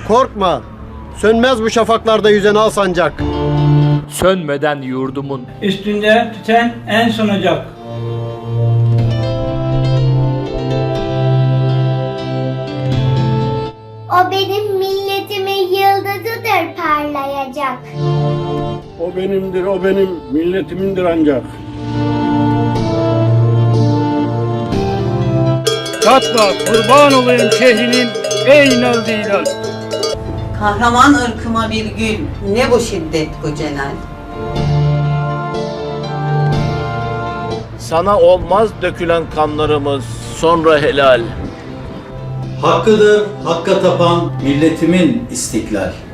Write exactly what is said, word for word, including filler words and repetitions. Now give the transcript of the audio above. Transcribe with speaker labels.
Speaker 1: Korkma, sönmez bu şafaklarda yüzen al sancak.
Speaker 2: Sönmeden yurdumun
Speaker 3: Üstünde tüten en son ocak.
Speaker 4: O benim milletimin yıldızıdır parlayacak.
Speaker 5: O benimdir, o benim milletimindir ancak. Katma, kurban olayım şehrinin ey naldi ilal.
Speaker 6: Kahraman ırkıma bir gül, ne bu şiddet bu celal.
Speaker 7: Sana olmaz dökülen kanlarımız sonra helal.
Speaker 8: Hakkıdır hakka tapan milletimin istiklal.